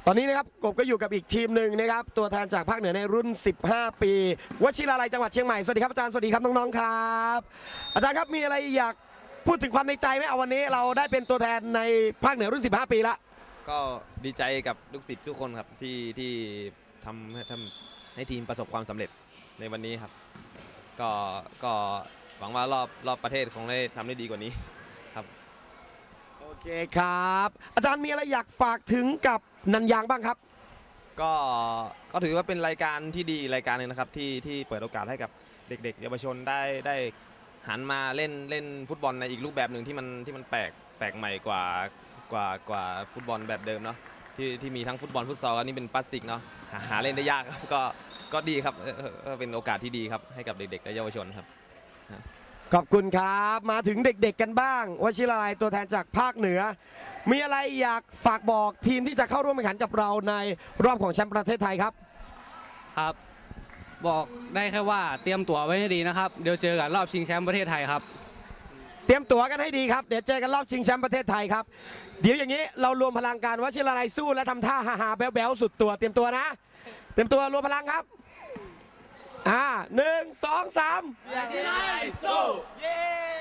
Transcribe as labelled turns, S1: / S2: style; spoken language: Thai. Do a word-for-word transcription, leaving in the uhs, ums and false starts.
S1: ตอนนี้นะครับกบก็อยู่กับอีกทีมหนึ่งนะครับตัวแทนจากภาคเหนือในรุ่นสิบห้าปีวชิราลัยจังหวัดเชียงใหม่สวัสดีครับอาจารย์สวัสดีครับน้องๆครับอาจารย์ครับมีอะไรอยากพูดถึงความในใจไหมเอาวันนี้เราได้เป็นตัวแทนในภาคเหนือรุ่นสิบห้าปีละ
S2: ก็ดีใจกับลูกศิษย์ทุกคนครับที่ที่ทำให้ทำให้ทีมประสบความสำเร็จในวันนี้ครับก็ก็หวังว่ารอบรอบประเทศคงได้ทำได้ดีกว่านี้ครับ
S1: โอเคครับอาจารย์มีอะไรอยากฝากถึงกับนันยางบ้างครับ
S2: ก็ก็ถือว่าเป็นรายการที่ดีรายการหนึ่งนะครับที่ที่เปิดโอกาสให้กับเด็กๆเยาวชนได้ได้หันมาเล่นเล่นฟุตบอลในอีกรูปแบบหนึ่งที่มันที่มันแปลกแปลกใหม่กว่ากว่ากว่าฟุตบอลแบบเดิมเนาะที่ที่มีทั้งฟุตบอลฟุตซอลอันนี้เป็นพลาสติกเนาะหาหาเล่นได้ยากครับก็ก็ดีครับเป็นโอกาสที่ดีครับให้กับเด็กๆและเยาวชนครับ
S1: ขอบคุณครับมาถึงเด็กๆกันบ้างวชิราลัยตัวแทนจากภาคเหนือมีอะไรอยากฝากบอกทีมที่จะเข้าร่วมแข่งขันกับเราในรอบของแชมป์ประเทศไทยครับ
S3: ครับบอกได้แค่ว่าเตรียมตั๋วไว้ให้ดีนะครับเดี๋ยวเจอกันรอบชิงแชมป์ประเทศไทยครับ
S1: เตรียมตั๋วกันให้ดีครับเดี๋ยวเจอกันรอบชิงแชมป์ประเทศไทยครับเดี๋ยวอย่างนี้เรารวมพลังกันวชิราลัยสู้และทำท่าฮาฮาแบ๊วๆสุดตัวเตรียมตัวนะเตรียมตัวรวมพลังครับอ่าหนึ่งสองสามวชิราลัยสู้เย้